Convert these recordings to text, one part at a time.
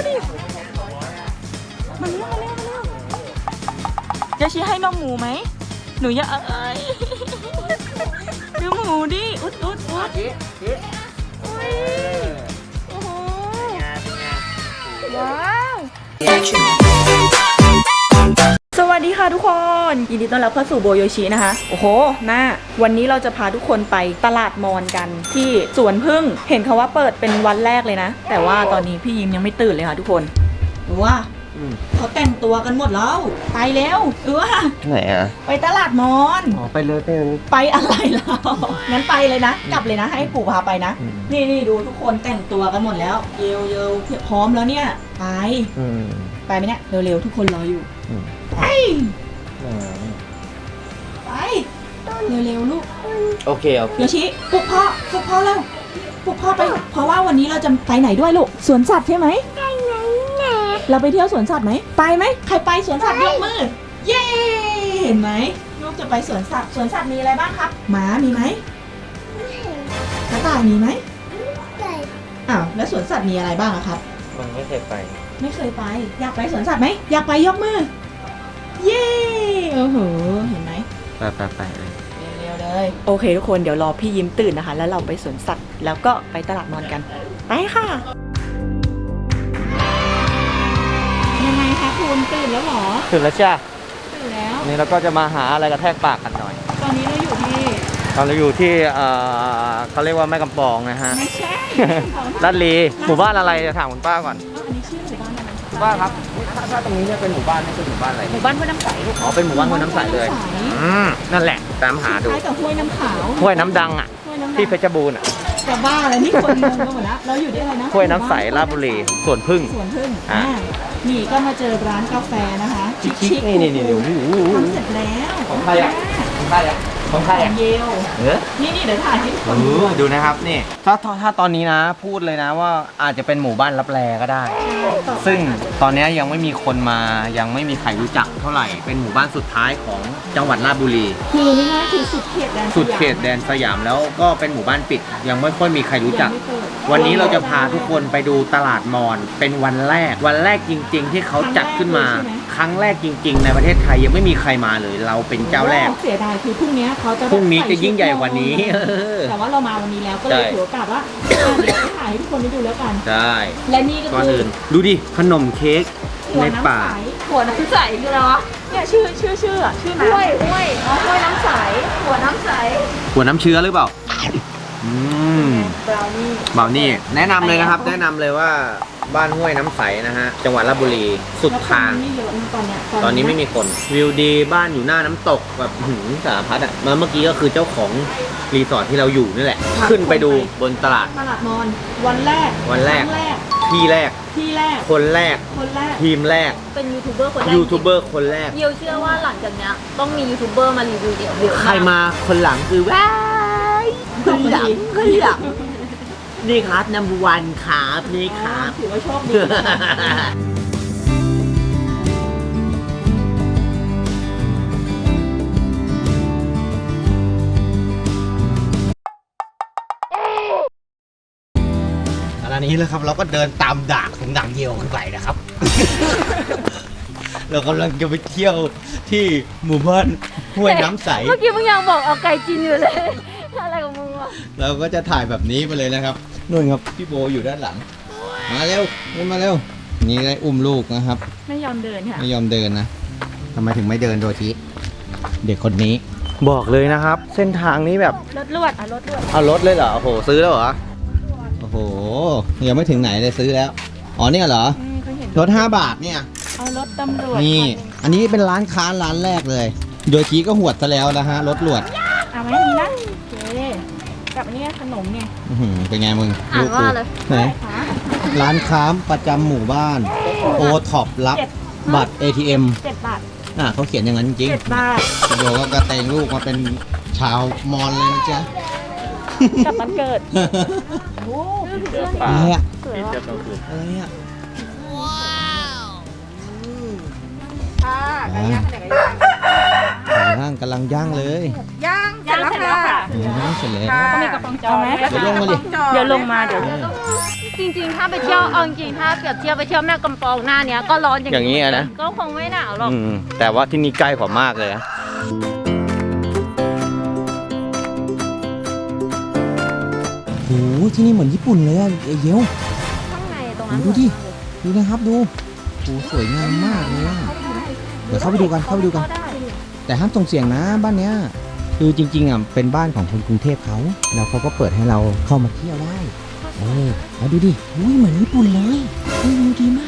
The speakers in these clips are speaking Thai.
ดิมาเร็วจะชี้ให้นมหมูไหมหนูอย่าดูหมูดิอุดอุ้ยโอ้โหว้าวสวัสดีค่ะทุกคนยินดีต้อนรับเข้าสู่โบโยชินะคะโอ้โหวันนี้เราจะพาทุกคนไปตลาดมอญกันที่สวนพึ่งเห็นเขาว่าเปิดเป็นวันแรกเลยนะแต่ว่าตอนนี้พี่ยิ้มยังไม่ตื่นเลยค่ะทุกคนดูว่าเขาแต่งตัวกันหมดแล้วไปแล้วดูว่าไหนอะไปตลาดมอญไปเลยไปอะไรแล้วงั้นไปเลยนะกลับเลยนะให้ปู่พาไปนะนี่ดูทุกคนแต่งตัวกันหมดแล้วเยวพร้อมแล้วเนี่ยไปไหมเนี่ยเร็วๆทุกคนรออยู่ไปเร็วๆลูกโอเคโยชิปลุกพ่อแล้วปลุกพ่อไปเพราะว่าวันนี้เราจะไปไหนด้วยลูกสวนสัตว์ใช่ไหมเราไปเที่ยวสวนสัตว์ไหมไปไหมใครไปสวนสัตว์ยกมือเย้เห็นไหมลูกจะไปสวนสัตว์มีอะไรบ้างครับหมามีไหมกระต่ายมีไหมอ้าวแล้วสวนสัตว์มีอะไรบ้างครับมันไม่เคยไปอยากไปสวนสัตว์ไหมอยากไปยกมือเย้โอ้โหเห็นไหมไปเลยเร็วเลยโอเคทุกคนเดี๋ยวรอพี่ยิ้มตื่นนะคะแล้วเราไปสวนสัตว์แล้วก็ไปตลาดมอญกันไปค่ะยังไงคะคุณตื่นแล้วหรอตื่นแล้วจ้าตื่นแล้วนี่เราก็จะมาหาอะไรกระแทกปากกันหน่อยตอนนี้เราอยู่ที่เขาเรียกว่าแม่กำปองนะฮะไม่ใช่ลาดลีหมู่บ้านอะไรจะถามคุณป้าก่อนอันนี้ชื่อหมู่บ้านอะไรคุณป้าครับถ้าตรงนี้เนี่ยเป็นหมู่บ้านนี่คือหมู่บ้านอะไรหมู่บ้านห้วยน้ำใสอ๋อเป็นหมู่บ้านห้วยน้ำใสเลยนั่นแหละตามหาดูคล้ายกับห้วยน้ำขาวห้วยน้ำดังอ่ะที่เพชรบูรณ์อ่ะจะบ้าอะไรนี่คนงงกันหมดแล้วเราอยู่ที่อะไรนะห้วยน้ำใสราชบุรีสวนพึ่งนี่ก็มาเจอร้านกาแฟนะคะชิคๆนี่ทำเสร็จแล้วของใครอ่ะเยลนี่เดี๋ยวถ่ายให้ทุกคนดูนะครับนี่ถ้าตอนนี้นะพูดเลยนะว่าอาจจะเป็นหมู่บ้านลับแลก็ได้ซึ่งตอนนี้ยังไม่มีคนมายังไม่มีใครรู้จักเท่าไหร่เป็นหมู่บ้านสุดท้ายของจังหวัดราชบุรีคือง่ายๆคือสุดเขตแดนสยามแล้วก็เป็นหมู่บ้านปิดยังไม่ค่อยมีใครรู้จักวันนี้เราจะพาทุกคนไปดูตลาดมอญเป็นวันแรกจริงๆที่เขาจัดขึ้นมาครั้งแรกจริงๆในประเทศไทยยังไม่มีใครมาเลยเราเป็นเจ้าแรกเสียดายคือพรุ่งนี้จะยิ่งใหญ่กว่านี้แต่ว่าเรามาวันนี้แล้วก็เลยถือโอกาสว่าเดี๋ยวไปถ่ายให้ทุกคนได้ดูแล้วกันได้และนี่ก็คือดูดิขนมเค้กในป่าหัวน้ำใสคืออะไรวะเนี่ยชื่อน้ำห้วยน้ำใสหัวน้ำใสหัวน้ำเชื้อหรือเปล่าบราวนี่แนะนำเลยนะครับแนะนำเลยว่าบ้านห้วยน้ำใสนะฮะจังหวัดราชบุรีสุดทางตอนนี้ไม่มีคนวิวดีบ้านอยู่หน้าน้ำตกแบบสารพัดอ่ะเมื่อกี้ก็คือเจ้าของรีสอร์ทที่เราอยู่นี่แหละขึ้นไปดูบนตลาดมอญวันแรกที่แรกคนแรกทีมแรกเป็นยูทูบเบอร์คนแรกเชื่อว่าหลังจากนี้ต้องมียูทูบเบอร์มารีวิวเดี๋ยวใครมาคนหลังคือว้ายคนหลังนี่ครับnumber one ครับนี่ครับถือว่าโชคดีอันนี้เลยครับเราก็เดินตามดากของดังเยียวขึ้นไปนะครับ เรากำลังจะไปเที่ยวที่หมู่บ้านห้วยน้ำใสเมื่อกี้มึงยังบอกเอาไก่จีนอยู่เลยอะไรของมึงวะเราก็จะถ่ายแบบนี้ไปเลยนะครับนู่นครับพี่โบอยู่ด้านหลังมาเร็วนี่ได้อุ้มลูกนะครับไม่ยอมเดินค่ะไม่ยอมเดินนะทำไมถึงไม่เดินโดยที่เด็กคนนี้บอกเลยนะครับเส้นทางนี้แบบรถลวดเอารถเลยเหรอโอ้โหซื้อแล้วเหรอโอ้โหยังไม่ถึงไหนเลยซื้อแล้วอ๋อเนี่ยเหรอรถ5 บาทเนี่ยเอารถตำรวจนี่อันนี้เป็นร้านค้าร้านแรกเลยโดยทีก็หวดซะแล้วนะฮะรถหวดเอาไหมนี่นะโอเคกับอันนี้ขนมเนี่ยเป็นไงมึงอ่านว่าเลยไหนร้านค้าประจำหมู่บ้านโอท็อปรับบัตร ATM 7 บาทเขาเขียนอย่างนั้นจริง 7 บาทโดก็กระเตงลูกมาเป็นชาวมอญเลยนะจ๊ะกับมันเกิดโอ้อะไรอ่ะอะไรอ่ะว้าวย่างกำลังย่างเลยย่างร็จแล้วค่ะเสร็จแล้วก็มีกระป๋องจอไหมเดี๋ยวลงมาดิเดี๋ยวลงมาเดี๋ยวจริงๆ ถ้าไปเที่ยวเอาจริงๆถ้าเปรียบเทียบไปเที่ยวแม่กำปองหน้าเนี้ยก็ร้อนอย่างนี้นะก็คงไม่หนาวหรอกแต่ว่าที่นี่ใกล้กว่ามากเลยนะโอ้โหที่นี่เหมือนญี่ปุ่นเลยอะเยวข้างในตรงนั้นดูดิ ดูนะครับดูโอ้สวยงามมากเลยอะเดี๋ยวเข้าไปดูกัน เข้าไปดูกัน แต่ห้ามส่งเสียงนะบ้านเนี้ย คือจริงๆอ่ะเป็นบ้านของคนกรุงเทพเขาแล้วเขาก็เปิดให้เราเข้ามาเที่ยวได้แล้วดูดิอุ้ยเหมือนญี่ปุ่นเลยดูดีมาก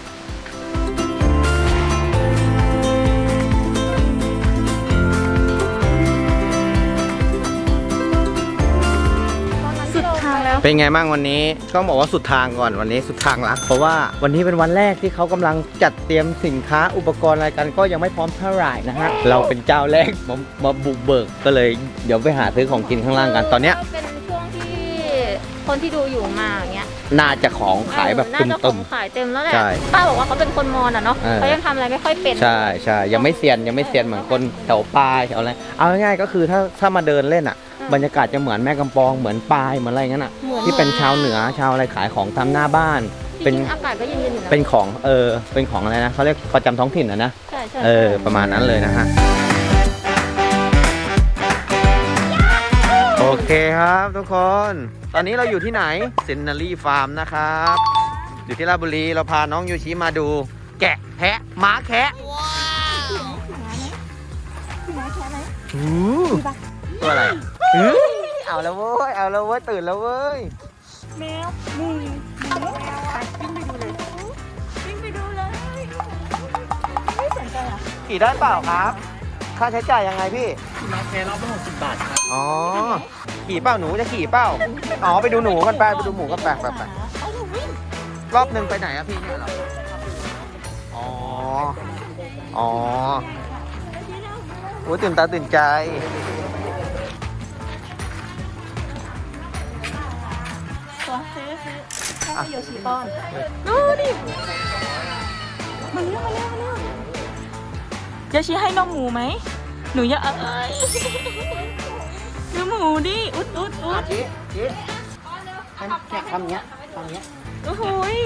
สุดทางแล้วเป็นไงบ้างวันนี้ต้องบอกว่าสุดทางก่อนวันนี้สุดทางละเพราะว่าวันนี้เป็นวันแรกที่เขากำลังจัดเตรียมสินค้าอุปกรณ์อะไรกันก็ยังไม่พร้อมเท่าไหร่นะฮะเราเป็นเจ้าแรกมาบุกเบิกก็เลยเดี๋ยวไปหาซื้อของกินข้างล่างกันตอนเนี้ยเป็นช่วงที่คนที่ดูอยู่มาอย่างเงี้ยน่าจะของขายแบบน่าจะขตึอมงขายเต็มแล้วแหละใช่ป้าบอกว่าเขาเป็นคนมอญอ่ะเนาะเออเขายังทำอะไรไม่ค่อยเป็นๆใช่ใช่ยังไม่เซียนเหมือนคนแถวปลายแถวอะไรเอาง่ายๆก็คือถ้ามาเดินเล่นอ่ะ บรรยากาศจะเหมือนแม่กำปองเหมือนปลายเหมือนอะไรงั้นอ่ะที่เป็นชาวเหนือชาวอะไรขายของตามหน้าบ้านเป็เป็น นอากาศก็เย็นๆอยู่นะเป็นของเป็นของอะไรนะเขาเรียกประจำท้องถิ่นนะใช่ใช่ประมาณนั้นเลยนะฮะโอเคครับทุกคน ตอนนี้เราอยู่ที่ไหนซินนารีฟาร์มนะครับอยู่ที่ราชบุรีเราพาน้องยูชิมาดู แกะแพะม้าแคะตัวอะไรเอาแล้วเว้ยตื่นแล้วเว้ยแมวมูวิ่งไปดูเลยไม่สนใจอ่ะขี่ได้เปล่าครับ ค่าใช้จ่ายยังไงพี่มาแค่รอบละ60 บาทครับอ๋อ ขี่เปล่าหนูจะขี่เปล่า อ๋อไปดูหนูกันไปดูหมูกันไปรอบหนึ่งไปไหนอะพี่เนี่ยเหรอ อ๋อ อ๋อโอ้ตื่นตาตื่นใจตัวซื้อให้โยชิป้อนดูดิมาเร็วโยชิให้นมหมูไหมหนูอยากดูหมูดิอุดชี้แค่ทำเนี้ยโอ้โหย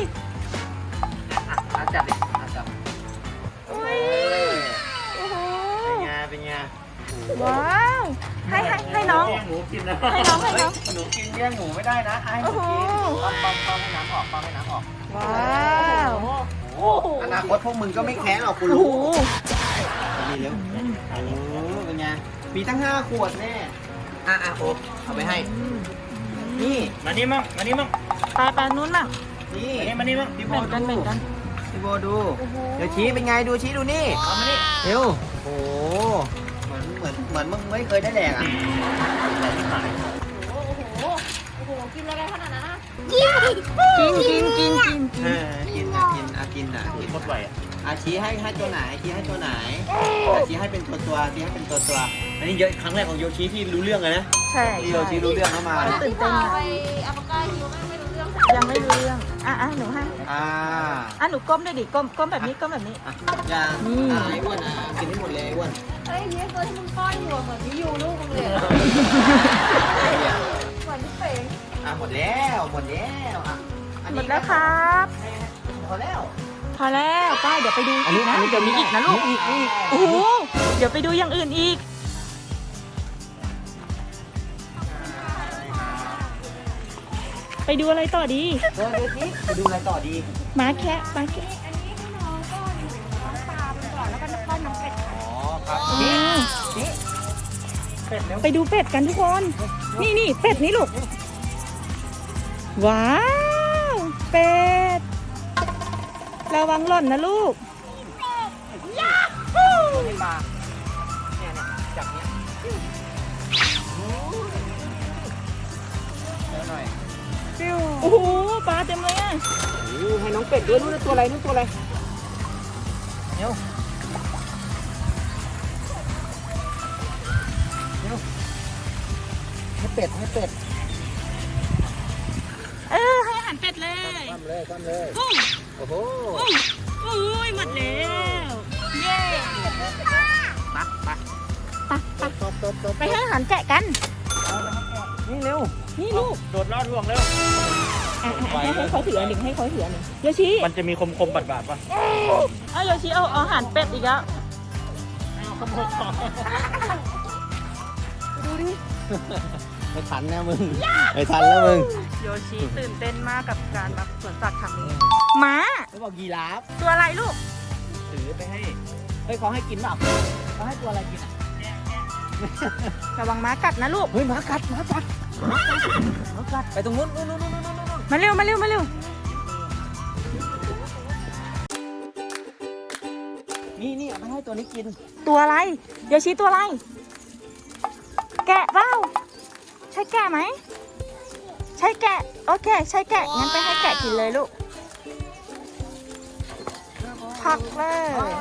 จับดิจับโอ้ยโอ้โหเป็นไงว้าวให้น้องแย่งหมูกินนะให้น้องหนูกินแย่งหมูไม่ได้นะให้หนูกินป้อมให้น้ำออกว้าวโอ้อนาคตพวกมึงก็ไม่แค้นหรอกกูโอ้รู้โหมีเร็วเป็นไง มีตั้ง5 ขวดแน่โอ๊บเอาไปให้ นี่มานี่มั่งไปนู้นมั่งนี่มานี่มั่งพี่โบเหมือนกันพี่โบดู เดี๋ยวชี้เป็นไงดูชี้ดูนี่เอามานี่เร็วโอ้เหมือนมึงไม่เคยได้แดกอ่ะโอ้โหกินอะไรขนาดนั้นอ่ะกินกินหมดไหวอ่ะชี้ให้ตัวไหนชี้ให้ตัวไหนชี้ให้เป็นตัวชี้ให้เป็นตัวอันนี้เยอะครั้งแรกของโยชิที่รู้เรื่องเลยนะใช่ที่เราชี้รู้เรื่องเข้ามาตื่นเต้นอะไปอัปกาฮิวไม่รู้เรื่องยังไม่รู้เรื่องหนูให้หนูก้มด้วยดิก้มแบบนี้อย่างไอ้อ้วนกินให้หมดเลยไอ้อ้วนเฮ้ยเนี่ยตัวที่มึงป้อนอยู่อะเหมือนพี่ยูลูกมึงเลยอะเหมือนพี่เป๋งหมดแล้วอันหมนี้ดแล้วครับพอแล้วพอแล้วป้าเดี๋ยวไปดูอีกนะเดี๋ยวมีอีกนะลูกโอ้โหเดี๋ยวไปดูอย่างอื่นอีกไปดูอะไรต่อดีดูสิไปดูอะไรต่อดีม้าแคะม้าแคะอันนี้ให้น้องก้อนน้องปลาไปก่อนแล้วก็ป้อนน้องเป็ดอ๋อครับเป็ดแล้วไปดูเป็ดกันทุกคน นี่เป็ดนี่ลูก ว้าว เป็ด ระวังหล่นนะลูกไม่มาเนี่ยจับเนี้ยหน่อยโอ้โหปลาเต็มเลยอ่ะให้น้องเป็ดด้วยนู่นตัวอะไรเดี๋ยวให้เป็ดให้อาหารเป็ดเลยคว่ำเลยปุ้งโอ้โหปุ้งอุ้ยหมดแล้ว เย้ปักไปไปให้อาหารแกะกันนี่เร็วนี่ลูกโดดลอดห่วงเร็วให้เขาถืออันหนึ่งให้เขาถืออันหนึ่งโยชิมันจะมีคมๆบาดๆป่ะเอาโยชิเอาอาหารเป็ดอีกแล้วไม่ทันนะมึงไม่ทันแล้วมึงโยชิตื่นเต้นมากกับการมาสวนสัตว์ครั้งนี้ม้าเขาบอกยีราฟตัวอะไรลูกถือไปให้เฮ้ยเขาให้กินเปล่าเขาให้ตัวอะไรกินอ่ะระวังม้ากัดนะลูกเฮ้ยหมากัดหมากัดหมากัดไปตรงนู้นนู้นนู้นนู้นนู้นมาเร็วมาเร็วมาเร็วนี่เอาไปให้ตัวนี้กินตัวอะไรโยชิตัวอะไร แกะเปล่าใช่แกะไหมใช่แกะโอเคใช่แกะงั้นไปให้แกะกินเลยลูกพักเลย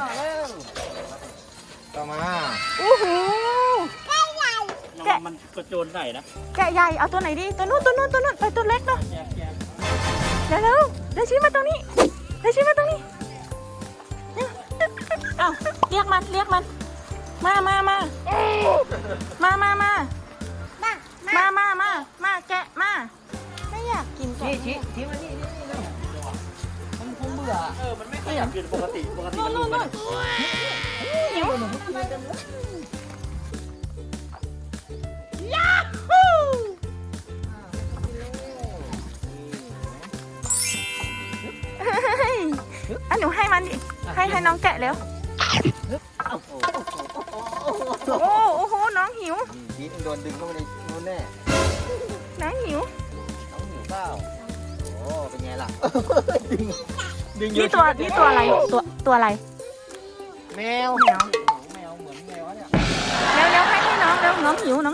ต่อมาอู้หูระวังมันกระโจนใส่นะแกะใหญ่เอาตัวไหนดีตัวนู้นตัวนู้นตัวนู้นไปตัวเล็กเนาะเร็วเร็วเดี๋ยวชี้มาตรงนี้เดี๋ยวชี้มาตรงนี้เอ้าเรียกมันเรียกมันมาแกะมาไม่อยากกินแกะชี้มานี่เร็วมันคงเบื่อมันไม่ขยับกินปกติมันนู่นหิวเฮ้ยอ่ะหนูให้มันดิให้น้องแกะเร็วโอ้โหน้องหิวชี้โดนดึงเข้าไปในนู้นแน่น้องหิวน้องหิวเปล่าโอ้เป็นไงล่ะดึงนี่ตัวอะไรตัวอะไรแมวแมวแมวเหมือนแมวเนี่ยเร็วให้น้องเร็วน้องหิว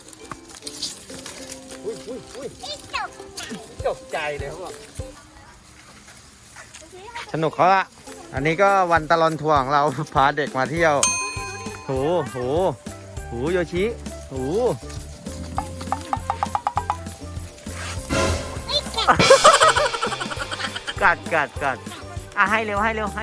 อุ้ยตกใจเลยเขาบอกสนุกเขาละอันนี้ก็วันตลอดทัวร์ของเรา พาเด็กมาเที่ยวโหโยชิโหกัดอ่ะให้เร็ว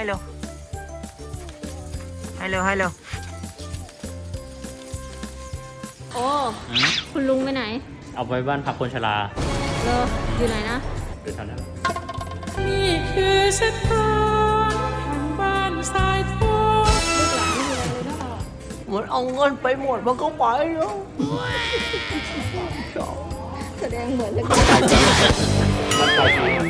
โอ้ คุณลุงไปไหนเอาไปบ้านพักคนชราเลออยู่ไหนนะหรือแถวนั้นนี่คือเส้นทางแห่งบ้านสายทองลูกหลานไม่มีอะไรเลยนะเปล่าเหมือนเอาเงินไปหมดมันก็ไปแล้วแสดงเหมือนเลยมันไป